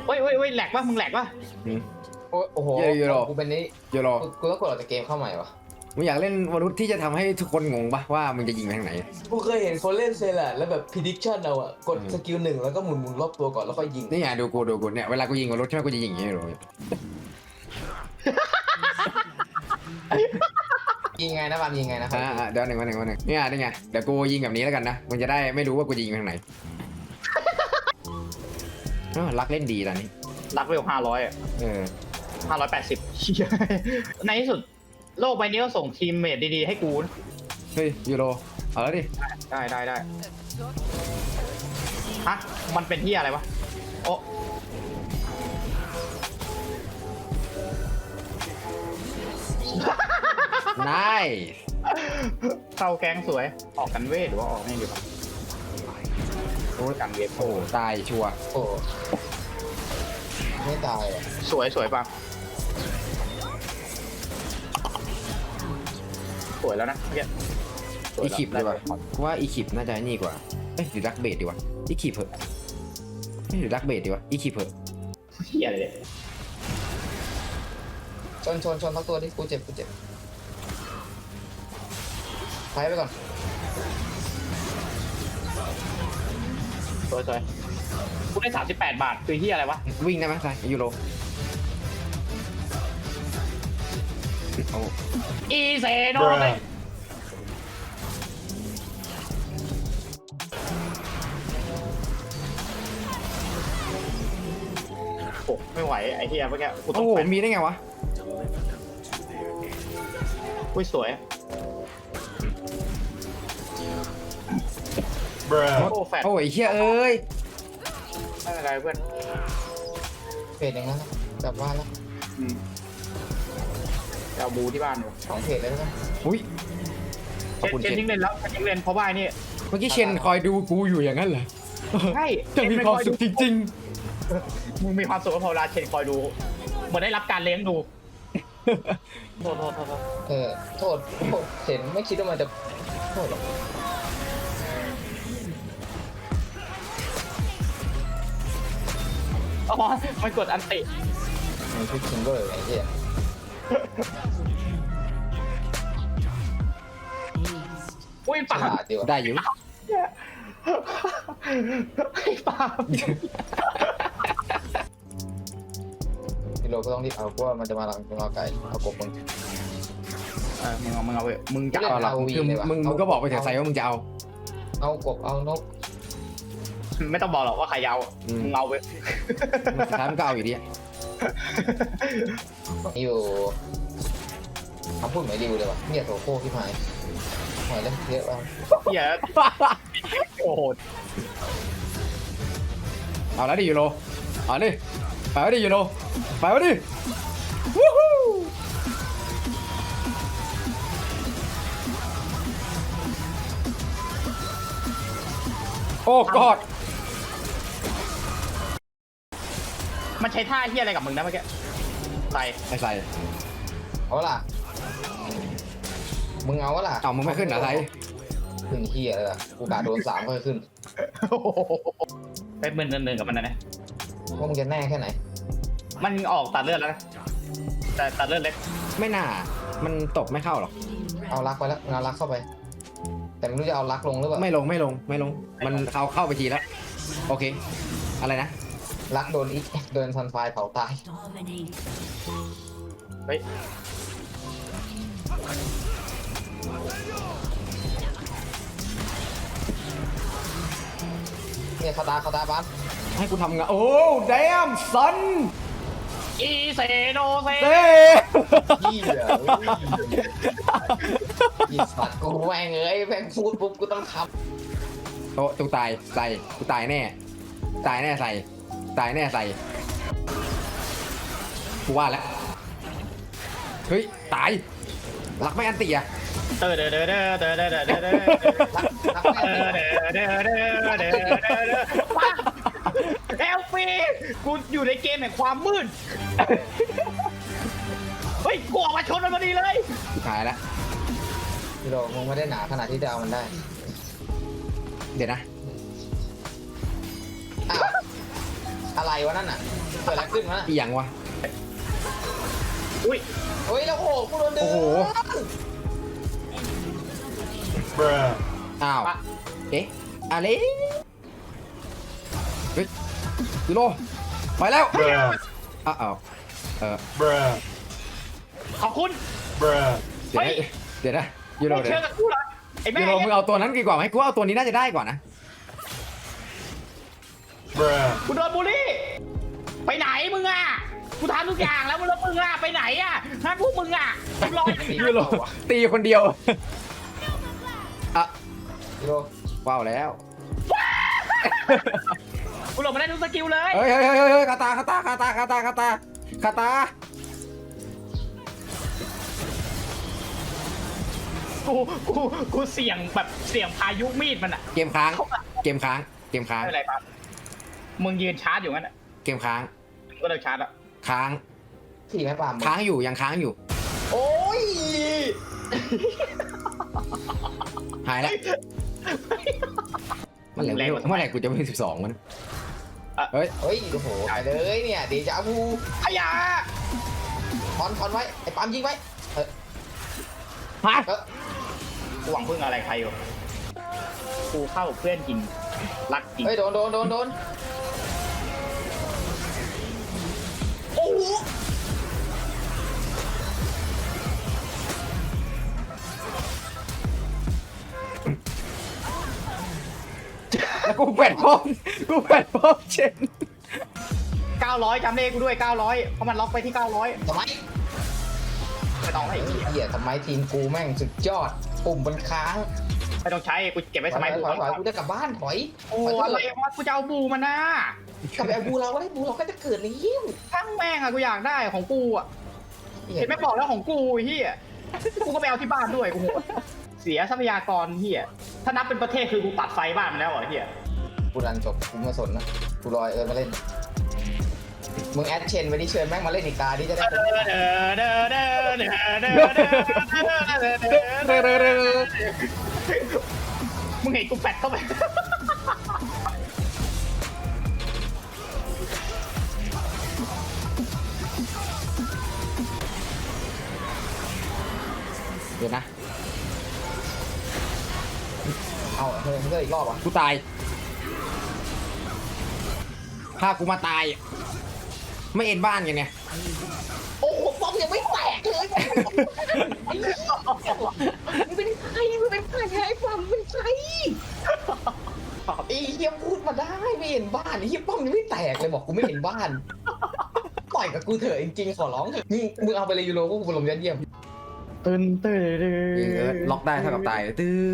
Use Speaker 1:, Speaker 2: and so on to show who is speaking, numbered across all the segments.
Speaker 1: เฮ้ยแหลกปะมึงแหลกปะ
Speaker 2: โอ้โหกูเป็นนี้
Speaker 3: โยโร
Speaker 2: กูต้องกดออกจากเกมเข้าใหม่วะ
Speaker 3: มึงอยากเล่นวรุษที่จะทำให้ทุกคนงงปะว่ามึงจะยิงไปทางไหน
Speaker 2: กูเคยเห็นคนเล่นเซล่ะแล้วแบบ prediction เอาอะกดสกิลหนึ่งแล้วก็หมุนรอบตัวก่อนแล้วค่อยยิง
Speaker 3: นี่ไงดูกูเนี่ยเวลากูยิงวรุษใช่ไหมกูจะยิงอย่างนี้เลย
Speaker 2: ยิงไงนะบามยิงไงนะ
Speaker 3: เดี๋ยวหนึ่งนี่ไงเดี๋ยวกูยิงแบบนี้แล้วกันนะมึงจะได้ไม่รู้ว่ากูจะยิงไปทางไหนรักเล่นดีตอนนี้
Speaker 1: รักไป500อ่ะ 580ในที่สุดโลกใบนี้ก็ส่งทีมเมทดีๆให้กูนะ
Speaker 3: เฮ้ยยูโรเอาแล้วดิ
Speaker 1: ได้ฮะมันเป็นที่อะไรวะโอ้
Speaker 3: นาย
Speaker 1: เข้าแก๊งสวยออกกันเวทหรือว่าออกนี่ดีกว่าโอ้กันเวท
Speaker 3: โอ้ตายชัวร์
Speaker 2: โอ้ไม่ตายอ่ะ
Speaker 1: สวยป่ะสวยแล้วนะเมื่อกี้
Speaker 3: อีคิปดีกว่ากูว่าอีคิปน่าจะนี่กว่าเอ้ยหรือรักเบดดีวะอีคิปเหอะหรือรักเบดดีวะอีคิปเหอะ
Speaker 1: เฮียอะไรเนี่ย
Speaker 2: ชนทั้งตัวที่กูเจ็บไปไปก่อน
Speaker 1: สวยกูได้38 บาทคือเฮียอะไรวะ
Speaker 3: วิ่งได้ไหมใช่ยูโรโอ้
Speaker 1: อีเซโนเลยโอ้ไม่ไหวไอ้เฮียเมื่อกี้กูต้
Speaker 3: โอ้
Speaker 1: อง
Speaker 3: โห
Speaker 1: แฟน
Speaker 3: มีได้ไงวะ
Speaker 1: อุ้ยสวยโอ้แฟน
Speaker 3: โอ้ยเชี่ยเอ้ย
Speaker 1: ไม่เป็นไรเพื่อน
Speaker 2: เพจอย่างนั้นกลับบ้านแล้ว
Speaker 1: จะเอาบูที่บ้านอยู่
Speaker 2: 2เพจเลยนะ
Speaker 3: อุ้ยขอบคุณ
Speaker 1: เชน
Speaker 3: เชน
Speaker 1: ทิ้งเลนแล้วเชนทิ้งเลนเพราะว่านี่
Speaker 3: เมื่อกี้เชนคอยดูกูอยู่อย่างนั้นเหรอ
Speaker 1: ใช่
Speaker 3: จะมีความสุขจริง
Speaker 1: มึงมีความสุขกับพอเวลาเชนคอยดูเหมือนได้รับการเลี้ยงดูโทษ
Speaker 2: โทษเห็นไม่คิดว่ามันจะโทษหรอก
Speaker 1: อ๋อมันกดอันติ
Speaker 2: มันคือคิงก็เลยไอ้เหี้ย
Speaker 1: อุ้ย
Speaker 2: ฉ
Speaker 1: ปา
Speaker 2: ลาดดีว่ะ
Speaker 3: ๆ ได้อยู่
Speaker 1: ไอ้ปา
Speaker 2: พี่โรก็ต้องรีบเอาเพราะว่ามันจะมาหลังเราไกลเอากบมึง
Speaker 1: มึงเอาไปมึงจะ
Speaker 3: เอาหรอ
Speaker 2: เอาวี
Speaker 3: คือ
Speaker 2: เลยว่ะ
Speaker 3: มึงก็บอกไปเถอะไซว่ามึงจะเอา
Speaker 2: เอากบเอานก
Speaker 1: ไม่ต้องบอกหรอกว่าใครเอามึงเอาไป
Speaker 3: สุดท้ายมึงก็เอาอยู่ดีอะ
Speaker 2: อยู่คำพูดเหมือนริวเลยว่ะเนี่ยโถโค้ที่หายหายเลยเยอะว่ะ
Speaker 1: เหี้ยโอ้โห
Speaker 3: เอาแล้วดิยูโรเอาดิไปวะดิยูโรไปวะดิวู้ฮู้โอ้กอด
Speaker 1: มันใช้ท่าเฮียอะไรกับมึงนะเมื่อกี้ใส่
Speaker 3: ไอ้ใส่
Speaker 2: เอาล่ะมึงเอาล่ะ
Speaker 3: เอามึงไม่ขึ้นเหรอไซ
Speaker 2: ขึ้นเฮียเลยล่ะกูกาโดน3ค่อยขึ้น
Speaker 1: ไปมึนเนินกับมันนะ
Speaker 2: ว่ามึงจะแน่แค่ไหน
Speaker 1: มันออกตัดเลือดแล้วนะแต่ตัดเลือดเล็ก
Speaker 3: ไม่น่ามันตบไม่เข้าหรอก
Speaker 2: เอารักไปแล้วเอารักเข้าไป แต่ไม่รู้จะเอารักลงหรือเปล่า
Speaker 3: ไม่ลงมันเข้าไปทีแล้วโอเคอะไรนะ
Speaker 2: รักโดนอีกโดนซันไฟเผาตาย
Speaker 1: เฮ้ย
Speaker 2: เนี่ยคาตาบ้าน
Speaker 3: ให้กูทำงานโอ้แดมซัน
Speaker 1: อีเซโนเซ
Speaker 3: เต้
Speaker 2: ยี่เหรอยี่สัตว์กูแม่งเอ้ยแม่งพูดปุ๊บกูต้องท
Speaker 3: โอ้ตูตายใส่กูตายแน่ใส่ตายแน่ใส่กูว่าแล้วเฮ้ยตายหลักไม่อันติอะ
Speaker 1: เด้อเอลฟีกูอยู่ในเกมแห่งความมืดเฮ้ยกูออกมาชนมันพอดีเลย
Speaker 3: หายแล้ว
Speaker 2: ำพี่โรมึงไม่ได้หนาขนาดที่จะเอามันได้
Speaker 3: เดี๋ยวนะ
Speaker 2: อ้าวอะไรวะนั่นน่ะเกิดอะไรขึ้นวะ
Speaker 3: อีหยังวะ
Speaker 1: อุ้ย
Speaker 2: เฮ้ยแล้วโอ้โหกูโดนดึง
Speaker 3: โอ้โห อ้าว เอ๊ะอะไรเฮ้ยยูโรไปแล้วอ้าว
Speaker 1: ขอบคุณ
Speaker 3: เดี๋ยวนะเดี๋ยวนะยูโร
Speaker 1: ไม่
Speaker 3: เดี๋ย
Speaker 1: เชื่อ
Speaker 3: ว
Speaker 1: กับกูเหรอไอ้แม่
Speaker 3: ยูโรมึงเอาตัวนั้นดีกว่าไหมกูว่าเอาตัวนี้น่าจะได้กว่านะ
Speaker 1: กูโดนบูลลี่ไปไหนมึงอ่ะกูทำทุกอย่างแล้วมึงอ่ะไปไหนอ่ะถ้าพวกมึงอ่ะรอ
Speaker 3: ยูโรตีคนเดียวอ่ะ
Speaker 2: ยูโร
Speaker 3: ว้าวแล้ว
Speaker 1: กูหลบมาได้ทุกสกิลเลย
Speaker 3: เฮ้ยคาตา
Speaker 1: กูเสี่ยงแบบเสี่ยงพายุมีดมันอ่ะ
Speaker 3: เกมค้าง
Speaker 1: ไม่เป็นไรครับมึงยืนชาร์จอยู่งั้นอ่ะ
Speaker 3: เกมค้าง
Speaker 1: ก็เลยชาร์จอ่ะ
Speaker 3: ค้าง
Speaker 2: ที่ไม่ปาม
Speaker 3: ค้างอยู่ยังค้างอยู่
Speaker 2: โอ้ย
Speaker 3: หายแล้วเมื่อไหร่กูจะเป็น12มันเฮ้ย
Speaker 2: เฮ้ยโอ้โหตายเลยเนี่ยเดจาวู
Speaker 1: ขยะ
Speaker 2: ถอนไว้ไอ้ปามยิงไว้
Speaker 3: ฮะ
Speaker 1: กูหวังพึ่งอะไรใครอยู่กูเข้าเพื่อนจริงรักจริง
Speaker 2: เฮ้ยโดนโอ้โห
Speaker 3: แล้วกูแปดพร้อมเชน
Speaker 1: 900จำเลขกูด้วย900เพราะมันล็อกไปที่900
Speaker 2: ทำไม
Speaker 1: ไม่ต้องให้อีก
Speaker 2: เหี้ยทำไมทีมกูแม่งสุดยอดปุ่มมันค้าง
Speaker 1: ไม่ต้องใช้กูเก็บไว้สมัย
Speaker 2: ถอยกูจะกลับบ้านถอย
Speaker 1: โอ้อะไรวะกูจะเอาบูมันนะ
Speaker 2: กลับไปเอาบูเราก็ได้บูเราก็จะเกิดในยิ้ว
Speaker 1: ทั้งแม่งอะกูอยากได้ของกูอะเห็นไม่บอกแล้วของกูเฮียกูก็ไปเอาที่บ้านด้วยกูเสียทรัพยากรเฮียถ้านับเป็นประเทศคือกูตัดไฟบ้านมันแล้วเหรอเฮีย
Speaker 2: กูรันจบกูไม่สนนะกูรอเอิญมาเล่นมึงแอดเชนไว้ที่เชิญแม่งมาเล่นอีกตาที่จะได้
Speaker 1: มึงเห็นกูแปดเข้าไป
Speaker 3: เดี๋ยวนะ
Speaker 2: เอาเฮ้ยเฮ้ยอีกรอบอ่ะ
Speaker 3: กูตายพากูมาตายไม่เอ็นบ้านกันไง
Speaker 2: โอ้โหป้อมยังไม่แตกเลยมึงเป็นใครมึงเป็นใครไอ้ป้อมเป็นใครไอ้เฮียพูดมาได้ไม่เห็นบ้านไอ้เฮียป้อมยังไม่แตกเลยบอกกูไม่เห็นบ้านต่อยกับกูเถอะจริงๆขอร้องเถอะมึงเอาไปเลยยูโรกูลมยัดเยี่ยม
Speaker 1: ตื่น
Speaker 3: ล็อกได้เท่ากับตาย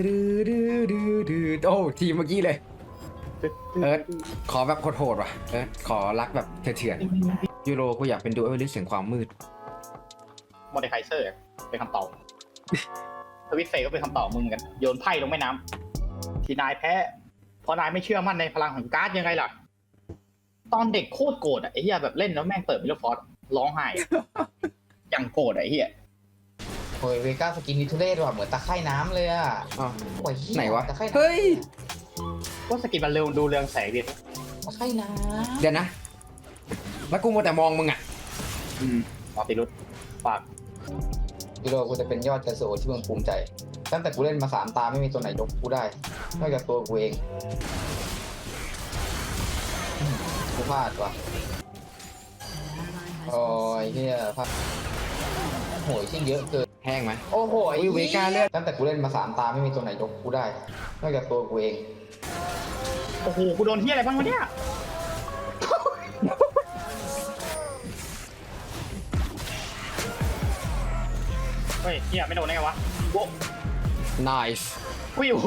Speaker 3: โอ้ทีมเมื่อกี้เลยขอแบบโหดๆว่ะขอรักแบบเถื่อนยูโรกูอยากเป็นดูเอลลิสเสียงความมืด
Speaker 1: มอเดคไคเซอร์เป็นคำตอบทวิตเฟก็เป็นคำตอบมึงกันโยนไพ่ลงแม่น้ำที่นายแพ้เพราะนายไม่เชื่อมั่นในพลังของการ์ดยังไงล่ะตอนเด็กโคตรโกรธอ่ะไอ้เหี้ยแบบเล่นแล้วแม่งเปิดมิลฟอร์ดร้องไห้อย่างโกรธไอ้เหี้ย
Speaker 2: โอ้ยเวก้าสกินนิทุเรศว่ะเหมือนตะไคร่น้ำเลยอ่ะโอ้ย
Speaker 3: ไหนวะ
Speaker 2: ตะไคร่น้ำ
Speaker 3: เฮ้ย
Speaker 1: ว่าสกินมันเร็วดูเรืองแสงดิ
Speaker 2: ตะไคร่น้
Speaker 3: เดี๋ยวนะแล้วกูมัวแต่มองมึงอ่ะ
Speaker 1: มอติรุตฝาก
Speaker 2: ำยูโรกูจะเป็นยอดกระโสที่มึงภูมิใจ ตั้งแต่กูเล่นมา3 ตาไม่มีตัวไหนยกกูได้นอกจากตัวกูเองกูพลาดว่ะโอ้ยเฮียพลาดโหยชิ้นเยอะเกิน
Speaker 3: แห้งไหม
Speaker 2: โอ้โห
Speaker 3: อุ้ยเวก้าเลือด
Speaker 2: ตั้งแต่กูเล่นมา3 ตาไม่มีตัวไหนยกกูได้นอกจากตัวกูเอง
Speaker 1: โอ้โหกูโดนเหี้ยอะไรบ้างวะเนี่ยเฮ้ยเหี้ยไม่โดนได้ไงวะโว้
Speaker 3: nice
Speaker 1: อุ้ยโอ้โห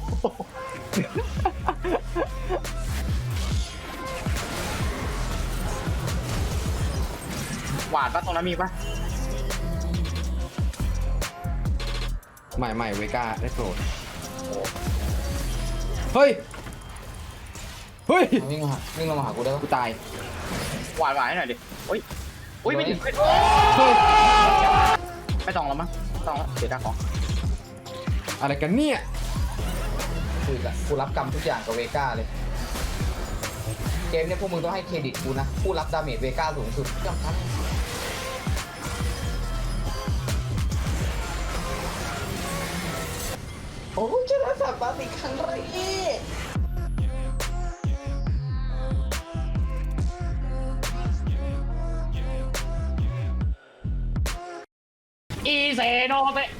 Speaker 1: หวาดปะตรงนั้นมีปะ
Speaker 3: ไม่เวก้าได้โปรดเฮ้ย
Speaker 2: วิ่งลงมาหากูได้ปะ
Speaker 3: กูตาย
Speaker 1: หวาดให้หน่อยดิอุ้ยไม่ถึงไม่ต้องแล้วมั้งไม่ต้องแล้วเสียดายของ
Speaker 3: อะไรกันเนี่ย
Speaker 2: กูรับกรรมทุกอย่างกับเวก้าเลยเกมเนี่ยพวกมึงต้องให้เครดิตกูนะ ผู้รับดาเมจเวก้าสูงสุดยอดครับโอ้ชนะสัปดาห์อีกครั้งเลย
Speaker 1: อีเซโนเตะ